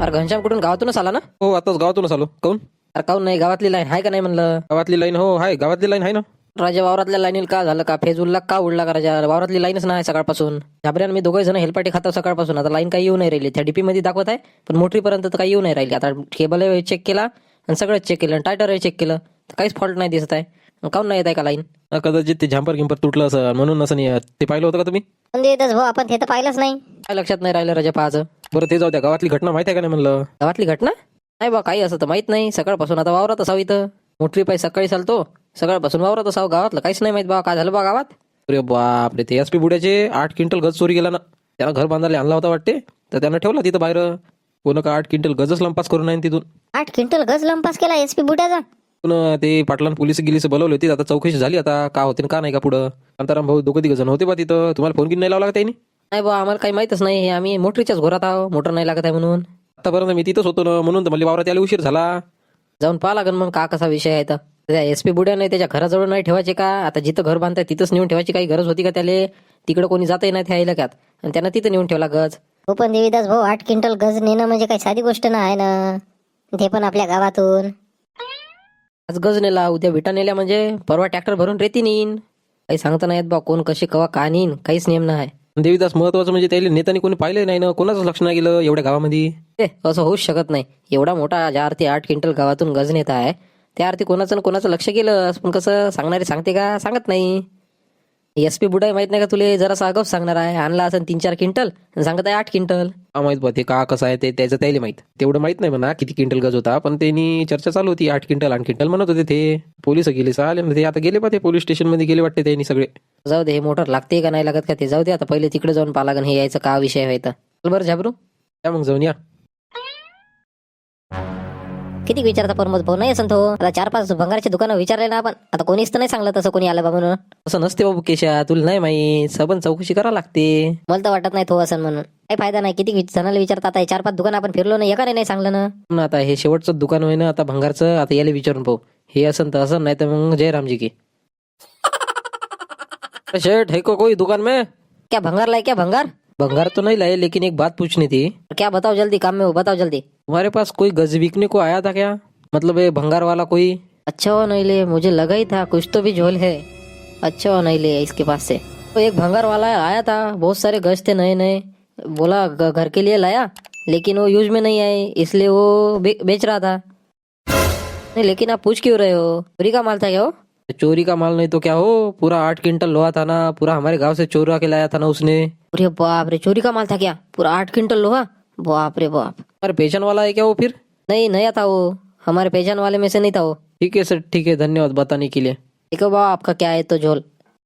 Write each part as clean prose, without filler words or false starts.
अरे घनश्याम कुठून गावातूनच आला ना? हो आताच गावातूनच आलो. काऊन? अरे काहून नाही, गावातली लाईन आहे का नाही म्हणलं? गावातली लाईन हो आहे, गावातली लाईन आहे ना. राजा वावरातल्या लाईनीला का झालं का? फेज उडला का उडला का राजा? वावरातली लाईनच नाही सकाळपासून. झाबऱ्यान मी दोघे जण हेलपाटी खातो सकाळपासून. आता लाईन काही येऊ नाही राहिली. त्या डीपी मध्ये दाखवत आहे पण मोटरीपर्यंत तर काही येऊ नाही राहिली. आता केबल चेक केला आणि सगळंच चेक केलं, टायटर चेक केलं तर काहीच फॉल्ट नाही दिसत आहे. मग काऊन नाही येत आहे का लाईन? कदाचित ते झांपर गिंपर तुटलं असं म्हणून असं नाही येत. ते पाहिलं होतं का तुम्ही? म्हणजे भाऊ आपण ते तर पाहिलंच नाही. काय लक्षात नाही राहिलं राजा पाहाचं? बरं ते जाऊ द्या, गावातली घटना माहिती आहे का नाही म्हणलं? गावातली घटना नाही बा, काही असं तर माहित नाही. सकाळपासून आता वावरात असावं इथं. मोटरी पाय सकाळी चालतो, सकाळपासून वावरात असावं. गावातलं काहीच नाही माहित बा, काय झालं बा गावात? अरे बापरे, ते एसपी बुड्याचे 8 क्विंटल गज चोरी गेला ना. त्याला घर बांधायला आणला होता वाटते, तर त्यानं ठेवला तिथं बाहेर. कोण का 8 क्विंटल गजच लंपास करून आहे तिथून. 8 क्विंटल गज लंपास केला एसपी बुड्याचा. पुन्हा ते पाटलान पोलीस गिलीस बोलवले होते. आता चौकशी झाली, आता का होते का नाही का पुढं. शांताराम भाऊ दोघं तिघ जण होते बा तिथं. तुम्हाला फोन किती नाही लावला का त्यांनी? नाही बा, आम्हाला काही माहितच नाही. आम्ही मोटरीच्याच घोरात आहो, मोटर नाही लागत आहे म्हणून. आतापर्यंत मी तिथंच होतो ना, म्हणून तर मला वावरात यायला उशीर झाला. जाऊन पाहा लागेल मग का कसा विषय आहे तर. त्या एसपी बुड्याने त्याच्या घराजवळ नाही ठेवायचे का? आता जिथं घर बांधताय तिथंच नेऊन ठेवायची काही गरज होती का त्याले? तिकडे कोणी जातही नाही त्या इलाक्यात आणि त्यांना तिथं नेऊन ठेवला गज. हो पण देवीदास भाऊ 8 क्विंटल गज नेणं म्हणजे काही साधी गोष्ट ना आहे ना, ते पण आपल्या गावातून. आज गज नेला, उद्या विटा नेल्या म्हणजे परवा ट्रॅक्टर भरून रेती नेईन. काही सांगता नाही येत बा, कोण कशी कवा का नेईन, काहीच नेम नाही. देवीदास महत्वाचं म्हणजे त्याला नेत्याने कोणी पाहिलं नाही ना, कोणाच लक्ष नाही गेलं एवढ्या गावामध्ये. ते असं होऊच शकत नाही. एवढा मोठा ज्या अर्थी 8 क्विंटल गावातून गज नेत आहे त्या अर्थी कोणाचं ना कोणाचं लक्ष गेलं. पण कसं सांगणारे सांगते का? सांगत नाही. एसपी बुडाई माहित नाही का तुले? जरासा आगाऊच सांगणार आहे. आणला असं 3-4 क्विंटल आणि सांगत आहे 8 क्विंटल. हा माहित बा, ते का कसं आहे ते त्याचं त्याला माहित. तेवढं माहित नाही म्हणा किती क्विंटल गज होता, पण त्यांनी चर्चा चालू होती 8 क्विंटल 8 क्विंटल म्हणत होते. ते पोलीस गेले चालेल ना, ते आता गेले बा, ते पोलीस स्टेशन मध्ये गेले वाटते त्यांनी सगळे. जाऊ दे, हे मोटर लागते का नाही लागत का ते जाऊ दे. आता पहिले तिकडे जाऊन पाहा लागेल हे यायचं का विषय आहे तर. चल बरं झाबरू, त्या मग जाऊन या. किती विचारता प्रमोद भाऊ? नाही असं तो आता 4-5 भंगाराची दुकानं विचारले ना आपण. आता कोणीच तर नाही सांगलं तसं कोणी आलं बा म्हणून. असं नसते बाबू केशा, तुला नाही माहित. सबन चौकशी करा लागते. मला तर वाटत नाही तो असं म्हणून. काही फायदा नाही. किती जणांना विचारता? आता 4-5 दुकान आपण फिरलो ना, एकाने नाही सांगलं ना. पण आता हे शेवटचं दुकान होय ना आता भंगारचं. आता याला विचारून पाहू हे असं तर असं, नाही तर मग जयरामजी की शेठ है को कोई दुकान में? क्या भंगार लाए? क्या भंगार? भंगार तो नहीं लाए, लेकिन एक बात पूछनी थी। क्या बताओ जल्दी, काम में हो, बताओ जल्दी। तुम्हारे पास कोई गज बिकने को आया था क्या? मतलब ये भंगार वाला कोई? अच्छा हो नहीं ले, मुझे लगा ही था कुछ तो भी झोल है। अच्छा हो नहीं ले इसके पास से। तो एक भंगार वाला आया था, बहुत सारे गज थे नए नए, बोला घर के लिए लाया, लेकिन वो यूज में नहीं आए इसलिए वो बेच रहा था। नहीं लेकिन आप पूछ क्यों रहे हो? चोरी का माल था क्या वो? चोरी का माल नहीं तो क्या हो, पूरा 8 क्विंटल लोहा था ना, पूरा हमारे गांव से चोरा के लाया था ना उसने। अरे बाप रे, चोरी का माल था क्या? पूरा 8 क्विंटल लोहा? बाप रे बाप। हमारे पहचान वाला है क्या वो फिर? नहीं नया था वो, हमारे पहचान वाले में से नहीं था वो। ठीक है सर, ठीक है, धन्यवाद बताने के लिए। देखो बा आपका क्या आहे तो झोल।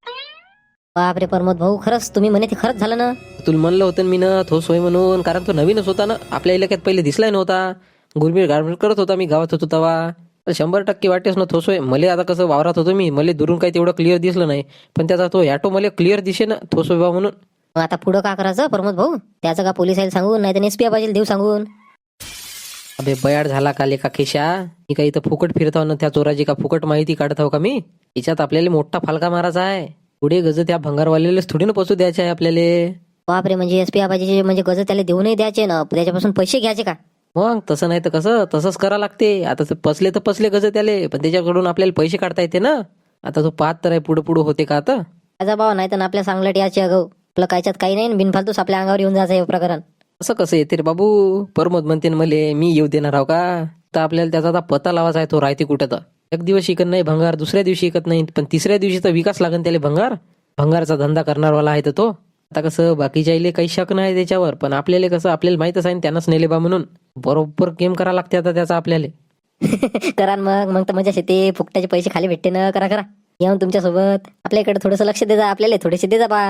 बाप रे प्रमोद भाऊ, खरंच तुम्ही म्हणे ते खरंच झालं ना? तुला म्हणलं होतं मी ना ठोस होय म्हणून, कारण तो नवीनच होता ना, आपल्या इलाक्यात पहिले दिसलाय नव्हता, गुरमीर गारमीर करत होता मी गावात होतो तेव्हा। 100% वाटेच ना ठोस होय मले। आता कसं वावरात होतो मी, मले दुरून काही तेवढं क्लिअर दिसलं नाही, पण त्याचा तो ॲटो मला क्लिअर दिसे ना ठोस होय बा म्हणून। मग आता पुढं का करायचं प्रमोद भाऊ? त्याचं का पोलिसाला सांगून, नाही तर एसपी पाहिजे देऊ सांगून? अबे बयाड झाला का लेका खिशा? मी काही इथं फुकट फिरत आहो ना त्या चोराची का फुकट माहिती काढत आहो का मी? याच्यात आपल्याला मोठा फालका मारायचा आहे। पुढे गज त्या भंगारवाल्यालाच थोडी ना पोचू द्यायचे आहे आपल्याला। बाप रे, म्हणजे एसपी पाहिजे म्हणजे गज त्याला देऊ नाही द्यायचे ना, त्याच्यापासून पैसे घ्यायचे का? मग तसं नाही तर कसं, तसंच करा लागते। आता ते पसले तर पसले गज त्याले, पण त्याच्याकडून आपल्याला पैसे काढता येते ना। आता तो पाहत तर आहे पुढं पुढं होते का आता? त्याचा भाव नाही तर आपल्या सांगलट याचे अगो, आपलं कायच्यात काही नाही, बिनफालतूच आपल्या अंगावर येऊन जायचं हे प्रकरण। असं कसं येते रे बाबू? प्रमोद म्हणते ना मले, मी येऊ देणार आहो का? तर आपल्याला त्याचा आता पता लावायचा आहे, तो राहते कुठं तर। एक दिवस शिकत नाही भंगार, दुसऱ्या दिवशी शिकत नाही, पण तिसऱ्या दिवशी तर विकास लागन त्याला भंगार। भंगारचा धंदा करणारवाला आहे तर तो। आता कसं बाकीच्या इले काही शक नाही त्याच्यावर, पण आपल्याला कसं आपल्याला माहितच आहे ना त्यानंच नेले बा म्हणून, बरोबर गेम करा लागते आता त्याचा आपल्याला। करा मग मग तर मजा येते, फुकटाचे पैसे खाली भेटते ना। करा करा, येऊन तुमच्या सोबत आपल्याकडे थोडंसं लक्ष दे जा, आपल्याला थोडेसे दे जा बा।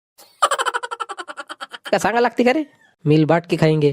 का सांगा लागते का रे? मिल बाट के खाएंगे।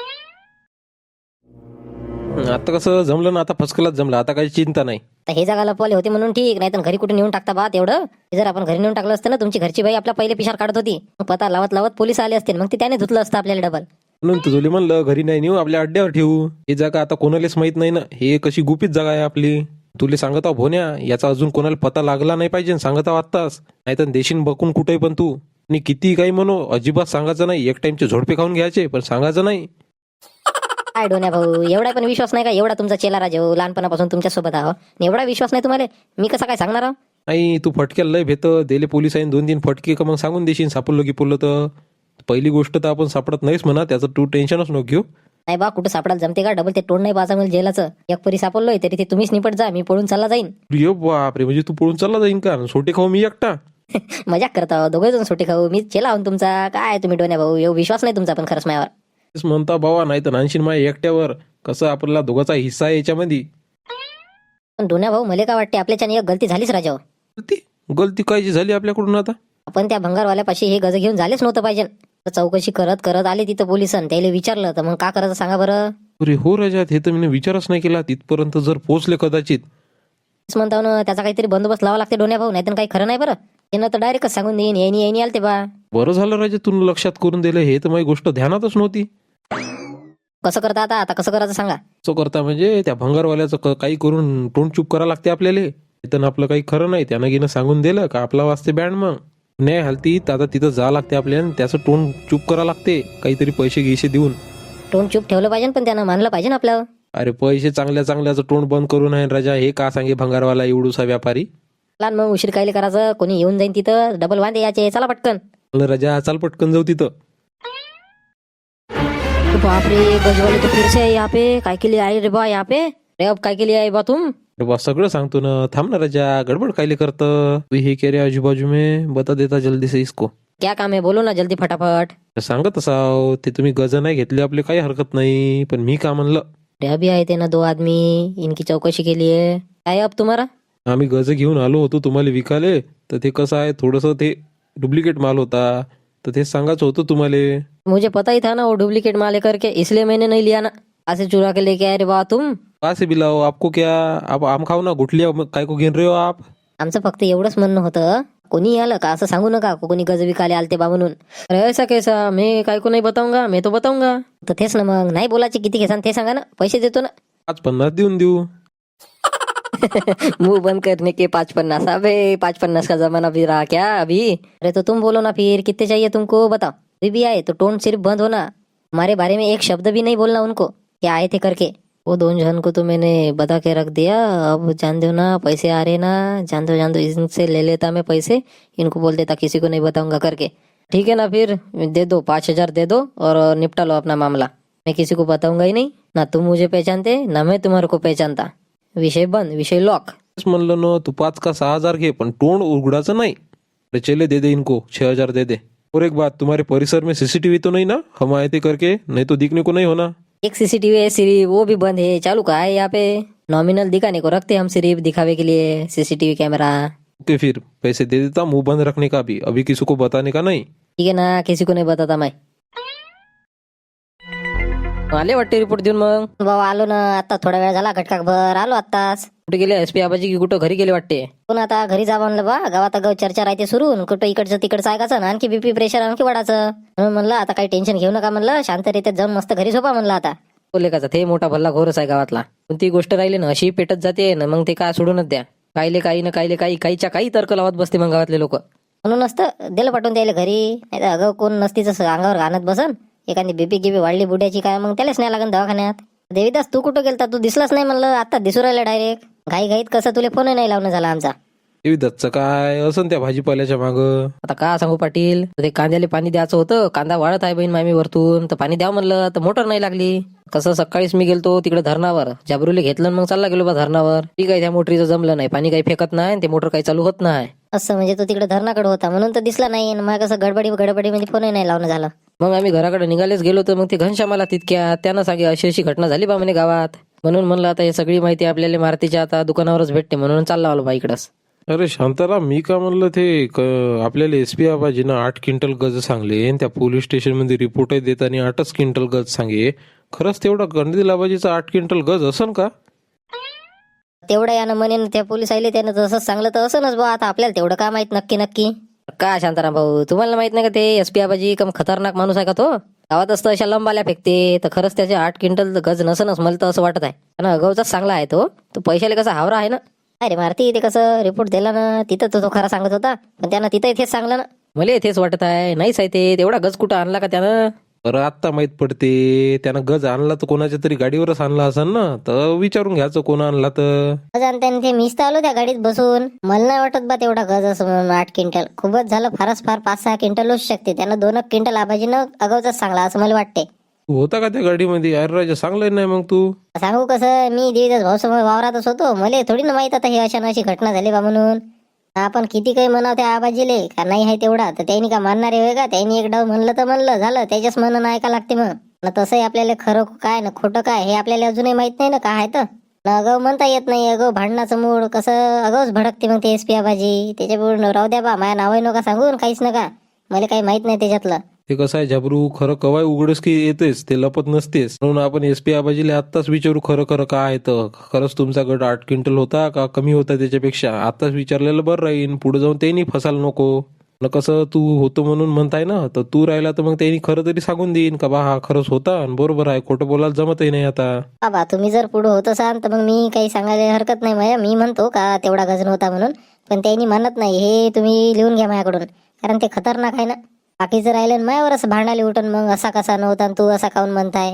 आता कसं जमलं ना, आता फसकलाच जमलं, आता काही चिंता नाही। तर हे जागा लपवले होते म्हणून ठीक, नाही तर घरी कुठे नेऊन टाकता बा तेवढं? हे जर आपण घरी नेऊन टाकलं असतं ना, तुमची घरची बाई आपला पहिले पिशार काढत होती, मग पता लावत लावत पोलीस आले असतील, मग ते त्याने धुतलं असतं आपल्याला डबल। म्हणून तुझोली म्हणलं घरी नाही नेऊ, आपल्या अड्ड्यावर ठेवू। ही जागा आता कोणालाच माहित नाही ना, हे कशी गुपित जागा आहे आपली। तुले सांगत आहो भोन्या, याचा अजून कोणाला पता लागला नाही पाहिजे, सांगत आहो आत्ताच, नाहीतर देशील बकून कुठेही पण तू। आणि किती काही म्हणू, अजिबात सांगायचं नाही। एक टाइमचे झोडपे खाऊन घ्यायचे, पण सांगायचं नाही। काय डोन्या भाऊ, एवढा पण विश्वास नाही का? एवढा तुमचा चेला राजा हो, लहानपणापासून तुमच्या सोबत आहो, एवढा विश्वास नाही तुम्हाला? मी कसा काय सांगणार आहो? नाही तू फटक्याला लय भेट दिले पोलिसांनी 2-3 फटके का मग सांगून देशील सापडलो की पुरलं तर. पहिली गोष्ट तर आपण सापडत नाहीस म्हणा, त्याचं तू टेन्शनच नको घेऊ. नाही बा, कुठं सापडायला जमते का? डबल ते तोंड नाही बाजा मला जेलाचं. एक परी सापडलोय तरी ते तुम्हीच निपट जा, मी पळून चालला जाईन. अरे बापरे, म्हणजे तू पळून चालला जाईन का? सोटे खाऊ मी एकटा? मजाक करता दोघे जण सुट्टी खाऊ, मी चेला आहोत तुमचा. काय तुम्ही डोन्या भाऊ, एवढा विश्वास नाही तुमचा पण खरंच माझ्यावर. तेच म्हणता बाबा, नाही तर नानशीन माझ्या एकट्यावर. कसं आपल्याला दोघाचा हिस्सा आहे याच्यामध्ये. पण डोन्या भाऊ, मला काय वाटते आपल्याच्याने एक गलती झालीच राजा हो. गलती कायची झाली आपल्याकडून आता? आपण त्या भंगारवाल्यापाशी हे गज घेऊन झालेच नव्हतं पाहिजे. तर चौकशी करत करत आले तिथं पोलिसांनी, त्याला विचारलं तर मग का करायचं सांगा बरं. अरे हो राजा, हे तर मी विचारच नाही केला. तिथपर्यंत जर पोहोचले कदाचित. तेच म्हणता ना, त्याचा काहीतरी बंदोबस्त लावा लागते डोन्या भाऊ, नाहीतर काही खरं नाही बरं. त्यानं तर डायरेक्टच सांगून देईन, येणी येणी आलते बा. बरं झालं राजा तुला लक्षात करून दिलं, हे तर माझी गोष्ट ध्यानातच नव्हती. कसं करता आता कसं करायचं सांगा. असं करता म्हणजे त्या भंगारवाल्याचं काही करून तोंड चूप करा लागते आपल्याला. इथं आपलं काही खरं नाही, त्यानं गेलं सांगून दिलं का आपला वाजते बँड. मग नाही हालतीत आता तिथं जा लागते आपल्याला, आणि त्याचं तोंड चूप करा लागते काहीतरी पैसे गिसे देऊन. तोंड चूप ठेवलं पाहिजे, पण त्यानं मानलं पाहिजे ना आपलं. अरे पैसे चांगल्या चांगल्याचं तोंड बंद करून आहे राजा, हे का सांगे भंगारवाला एवढूसा व्यापारी. लहान मग उशीर कायले करायचं, कोणी येऊन जाईन तिथं, डबल वांदे याचे. चला पटकन. राजा चाल पटकन जाऊ तिथं. बापरे, गजवाले तो फिर से है यहाँ पे. काय के लिए आए रे बा यहाँ पे? रे अब काय के लिए आए बा तुम? अरे बा सगळं सांगतो ना, थांब ना राजा, गडबड कायले करतं तू? हे के रे आजूबाजू में बता देता जल्दी से इसको. क्या काम है, बोलो ना जल्दी फटाफट. सांगत असाव ते, तुम्ही गज नाही घेतले आपले काही हरकत नाही, पण मी का म्हणलं. रे अभी आए थे ना 2 आदमी, इनकी चौकशी के लिए. काय अब तुम्हारा? आम्ही गज घेऊन आलो होतो तुम्हाला विकाले, तर ते कसं आहे थोडंसं ते डुप्लिकेट माल होता, तर ते सांगायचं होतं तुम्हाला. मुझे पता ही था ना वो डुप्लीकेट माल है करके, इसलिए मैंने नहीं लिया ना. ऐसे चुरा के लेके आए रे बा तुम. का से बिलाओ आपको क्या? आप आम खाओ ना, गुठलिया काय को घेऊन रहे हो आप? आमचं फक्त एवढंच म्हणणं होतं, कोणी आलं का असं सांगू नका कोणी गज विकाले आलते बा म्हणून. अरे ऐसा कैसा, मैं काय को नहीं बताऊंगा, मैं तो बताऊंगा. तर तेच ना, मग नाही बोलायचे, किती घेसान ते सांगा ना, पैसे देतो ना. 5-50 देऊन देऊ. मुंह बंद करने के 550. अबे 550 का जमाना भी रहा क्या अभी? अरे तो तुम बोलो ना फिर, कितने चाहिए तुमको बताओ. अभी भी आए तो टोन सिर्फ बंद होना, हमारे बारे में एक शब्द भी नहीं बोलना उनको, क्या आए थे करके. वो 2 जन को तो मैंने बता के रख दिया. अब जान दो ना, पैसे आ रहे ना, जान दो इनसे ले लेता मैं पैसे, इनको बोल देता किसी को नहीं बताऊंगा करके. ठीक है ना, फिर दे दो 5,000 दे दो और निपटा लो अपना मामला. मैं किसी को बताऊंगा ही नहीं, ना तुम मुझे पहचानते ना मैं तुम्हारे को पहचानता. विषय बंद, विषय लॉक. तेच म्हणलं ना, तू 5 का 6,000 घे, पण तोंड उघडाचं नाही. अरे चले दे दे इनको 6,000 दे दे. और एक बात, तुम्हारे परिसर में सीसीटीवी तो नहीं ना, हम आए थे करके, नहीं तो दिखने को नहीं होना. एक सीसीटीवी है सिर्फ, वो भी बंद है. चालू का है यहाँ पे? नॉमिनल दिखाने को रखते हम सिर्फ दिखावे के लिए सीसीटीवी कैमरा. ओके फिर पैसे दे देता, मुंह बंद रखने का भी, अभी किसी को बताने का नहीं. ठीक है ना, किसी को नहीं बताता मैं. आले वाटते रिपोर्ट देऊन. मग बाबा आलो ना, आता थोडा वेळ झाला, घटका भर आलो आत्ताच. कुठे गेले एसपी आबाजी, की कुठं घरी गेले वाटते? पण आता घरी जा म्हणलं बा, गावात गाव चर्चा राहते सुरू, कुठं इकडचं तिकडचं ऐकायचं ना, आणखी बीपी प्रेशर आणखी वाढायचं. म्हणून म्हणलं आता काही टेन्शन घेऊ नका, म्हणलं शांतरित्यात जाऊन मस्त घरी झोपा म्हणलं आता. बोले का ते मोठा भल्ला घोरच आहे गावातला. कोणती गोष्ट राहिली ना अशी पेटत जाते ना, मग ते काय सोडूनच द्या. कायले काही ना कायले काही, काहीच्या काही तर्क लावत बसते मग गावातले लोक. म्हणून नसतं दिलं पाठवून द्यायला घरी, नाही तर अगं कोण नसतीच अंगावर घाणत बसन. एखादी बीपी गिपी वाढली बुड्याची काय, मग त्यालाच नाही लागन दवाखान्यात. देवीदास तू कुठं गेलता, तू दिसलाच नाही म्हणलं, आता दिसू राहिला डायरेक्ट. घाई घाईत कसं तुला फोन नाही लावणं झाला आमचा. दत्तचं काय असं त्या भाजीपाल्याच्या माग. आता का सांगू पाटील, ते कांद्याला पाणी द्यायचं होतं, कांदा वाढत आहे बहीण मामी वरतून, तर पाणी द्या म्हणलं तर मोटर नाही लागली. कसं सकाळीच मी गेलतो तिकडे धरणावर, जाबरूले घेतलं मग चालला गेलो बा धरणावर. ठीक आहे, त्या मोटरीचं जमलं नाही, पाणी काही फेकत नाही, ते मोटर काही चालू होत नाही. असं म्हणजे तो तिकडे धरणाकडे होता म्हणून तर दिसला नाही, मग कसं गडबडी म्हणजे फोन नाही लावणं झालं. मग आम्ही घराकडे निघालेच गेलो, तर मग ते घनश्यामाला तितक्या त्यानं सांगे अशी अशी घटना झाली बा म्हणे गावात. म्हणून म्हणलं आता हे सगळी माहिती आपल्याला मारुतीच्या आता दुकानावरच भेटते, म्हणून चालला आलो बा इकडंच. अरे शांताराम, मी का म्हणलं ते आपल्याला एसपी आबाजीनं 8 क्विंटल गज सांगले, आणि त्या पोलीस स्टेशन मध्ये रिपोर्ट देताना 8च क्विंटल गज सांगे. खरंच तेवढा गणदिल आबाजीचा 8 क्विंटल गज असन का? तेवढं यानं म्हणे त्या पोलीस आले, त्यानं तसंच सांगलं तर असंच बा. आता आपल्याला तेवढं काय माहित नक्की. का शांताराम भाऊ, तुम्हाला माहित नाही का ते एसपी आबाजी कम खतरनाक माणूस आहे का तो? गावात असतं अशा लंबाल्या फेकते, तर खरंच त्याचे 8 क्विंटल गज नसनच, मला तर असं वाटत आहे. आणि अगाऊचाच चांगला आहे तो पैशाला कसा हावरा आहे ना. अरे मारती, ते कसं रिपोर्ट दिला ना तिथं तो खरा सांगत होता, पण त्यानं तिथं इथेच सांगलं ना. मला इथेच वाटत आहे नाहीच आहे ते, तेवढा गज कुठं आणला का त्यानं? बरं आत्ता माहित पडते. त्यानं गज आणला तर कोणाच्या तरी गाडीवरच आणला असेल ना, तर विचारून घ्यायचं कोण आणला तर. त्याने ते मीच तर आलो त्या गाडीत बसून. मला नाही वाटत बा तेवढा गज असं म्हणून 8 क्विंटल खूपच झालं. फारच फार 5-6 क्विंटल होऊ शकते. त्यानं 2 क्विंटल आबाजीनं अगाऊच सांगला असं मला वाटते. तू होता का त्या गाडीमध्ये? अरे राजा चांगलं नाही मग तू. सांगू कसं, मी देवीदास भाऊसमोर वावरातच होतो. मला थोडी ना माहित आता ही अशी घटना झाली बा म्हणून. आपण किती काही म्हणाव त्या आबाजीले का नाही आहे तेवढा, तर त्यांनी का मानणारे होय का? त्यांनी एक डाव म्हणलं तर म्हणलं झालं, त्याच्याच म्हणणं ऐका लागते मग. न तसंही आपल्याला खरं काय ना खोटं काय हे आपल्याला अजूनही माहित नाही ना काय आहे तर. न अगाऊ म्हणता येत नाही. अगाऊ भांडणाचं मूड कसं अगाऊच भडकते मग ते SP आबाजी. त्याच्यामुळे राहू द्या बा, माझ्या नावही नका सांगून काहीच नका. मला काही माहित नाही त्याच्यातलं. ते कसं आहे झाबरू, खरं कवाय उघडच की येतेस, ते लपत नसतेस. म्हणून आपण SP आबाजीला आत्ताच विचारू खरं खरं काय आहे तर. खरंच तुमचा गट 8 क्विंटल होता का कमी होता त्याच्यापेक्षा? आताच विचारलेलं बरं राहील. पुढे जाऊन त्यांनी फसायला नको न. कसं तू होतो म्हणून म्हणताय ना, तर तू राहिला तर मग त्यांनी खरं तरी सांगून देईन का बा हा खरंच होता आणि बरोबर आहे. खोटं बोलायला जमतही नाही आता. बाबा तुम्ही जर पुढे होत असाल तर मग मी काही सांगायला हरकत नाही. माझ्या मी म्हणतो का तेवढा गजन होता म्हणून, पण त्यांनी म्हणत नाही. हे तुम्ही लिहून घ्या माझ्याकडून, कारण ते खतरनाक आहे ना. बाकीचं राहिलं मायावर असं भांडायला उठून मग असा कसा नव्हता आणि तू असा काऊन म्हणताय.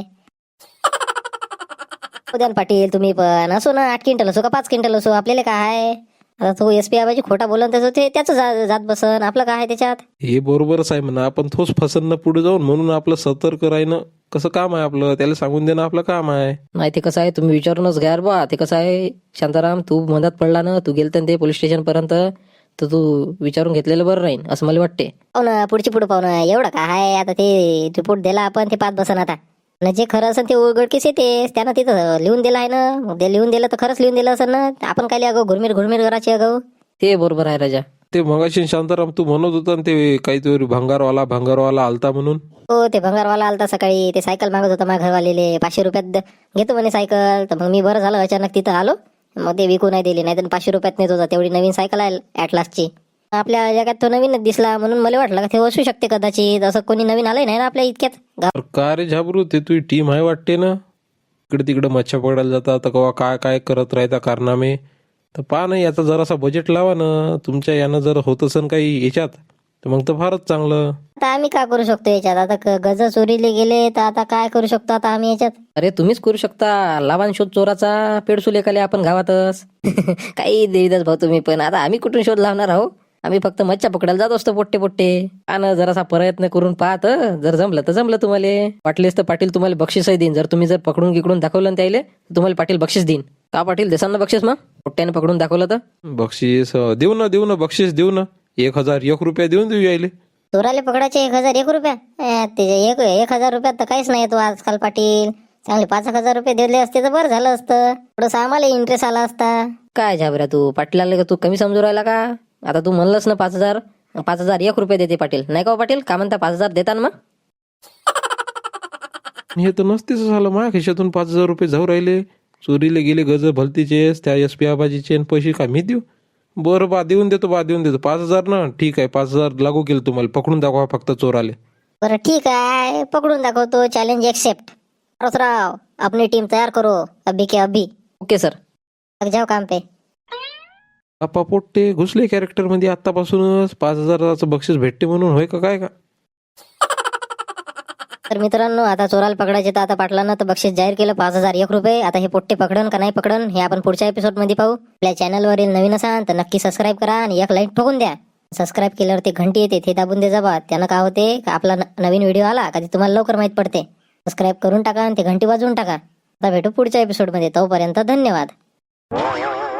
उद्यान पाटील तुम्ही पण असो ना, 8 क्विंटल असो का 5 क्विंटल असो, आपल्याला काय आहे. आता तो SP आबाजी खोटा बोलून त्याचं ते त्याचं जात बसन, आपलं काय आहे त्याच्यात. हे बरोबरच आहे म्हणा, आपण थोच फसन ना पुढे जाऊन. म्हणून आपलं सतर्क राहणं कसं काम आहे आपलं. त्याला सांगून देणं आपलं काम आहे. नाही ते कसं आहे, तुम्ही विचारूनच घ्या बा. ते कसं आहे शांताराम, तू मधात पडला ना, तू गेलता ना ते पोलीस स्टेशन पर्यंत, तर तू विचारून घेतलेलं बरं राहील असं मला वाटते. पाहू ना पुढची पुढे पाहू ना. एवढं काय आहे आता, ते रिपोर्ट दिला आपण ते 5 बसन आता. न जे खरं असेल ते उघडकीस येते. त्यानं तिथं लिहून दिलं आहे ना, मग ते लिहून दिलं तर खरंच लिहून दिलं असेल ना. आपण काय अगो घुरमीर करायची अगो. ते बरोबर आहे राजा. ते मगाशी शांताराम तू म्हणत होता ना, ते काहीतरी भंगारवाला आलता म्हणून. हो ते भंगारवाला आलता सकाळी. ते सायकल मागत होता माझ्या घरवालेले. 500 रुपयात घेतो म्हणे सायकल. तर मग मी बरं झालं अचानक तिथं आलो. मग ते विकू नाही दिली, नाही तर 500 रुपयात नेत होता. तेवढी नवीन सायकल आहे ॲटलासची. आपल्या जगात तो नवीनच दिसला म्हणून मला वाटलं का ते असू शकते कदाचित. असं कोणी नवीन आलंय नाही ना आपल्या इतक्यात. अरे का रे झाबरू, ते तुझी टीम आहे वाटते ना. इकडे तिकडे मच्छा पकडायला जातात तर कवा काय काय करत राहता कारनामे. तर पहा ना, याचा जरासा बजेट लावा ना. तुमच्या यानं जर होत असेल काही याच्यात तर मग तर फारच चांगलं. आता आम्ही काय करू शकतो याच्यात. आता गज चोरीले गेले तर आता काय करू शकतो आता आम्ही याच्यात. अरे तुम्हीच करू शकता. लावान शोध चोराचा, पेडसूल एकाले आपण गावातच. काही देवीदास भाऊ तुम्ही पण. आता आम्ही कुठून शोध लावणार आहो. आम्ही फक्त मच्छा पकडायला जात असतो पोट्टे. आणि जरासा प्रयत्न करून पाहत, जर जमलं तर जमलं तुम्हाला. वाटलेस तर पाटील तुम्हाला बक्षीसही देईन. जर तुम्ही पकडून गिकडून दाखवलं ना त्याला, तर तुम्हाला पाटील बक्षीस देईन. का पाटील देसान ना बक्षीस? मग पोट्ट्याने पकडून दाखवलं तर बक्षीस देऊ ना बक्षीस देऊ ना. 1001 रुपया देऊन देऊ यायले. चोराले पकडायचे 1001 रुपया. त्याचे 1000 रुपयात तर काहीच नाही तो आजकाल पाटील. चांगले 5,000 रुपये दिले असते तर बरं झालं असतं. थोडंसं आम्हाला इंटरेस्ट आला असता. काय झाबऱ्या तू पाटील तू कमी समजू राहिला का? आता तू म्हणलंस ना 5,000, 5,001 रुपये देते पाटील. नाही का हो पाटील? का म्हणता 5,000 देता ना मग? हे तर नसतेच झालं. माझ्या खिशातून 5,000 रुपये जाऊ राहिले. चोरीले गेले गज भलतीचे त्या SP आबाजीचे. पैसे काय मी देऊ? बरं बा देऊन देतो 5,000 ना. ठीक आहे 5,000 लागू केलं तुम्हाला. पकडून दाखवा फक्त चोराले. बरं ठीक आहे पकडून दाखवतो. Challenge accept. परसराव अपनी टीम तयार करो अभी के अभी. Okay sir. लग जाओ काम पे. आपा पोट्टे घुसले कॅरेक्टर मध्ये आतापासूनच. 5,000चं बक्षीस भेटते म्हणून होय का काय का? तर मित्रांनो आता चोराला पकडायचे तर आता पाटलानं तर बक्षीस जाहीर केलं 5,001 रुपये. आता हे पोट्टे पकडन का नाही पकडन हे आपण पुढच्या एपिसोड मध्ये पाहू. आपल्या चॅनलवरील नवीन असाल तर नक्की सबस्क्राईब करा आणि एक लाईक ठोकून द्या. सबस्क्राईब केल्यावर ते घंटी येते ते दाबून दे जाबा. त्यानं काय होते का आपला नवीन व्हिडिओ आला का ते तुम्हाला लवकर माहित पडते. सबस्क्राईब करून टाका आणि ते घंटी वाजवून टाका. आता भेटू पुढच्या एपिसोड मध्ये. तोपर्यंत धन्यवाद.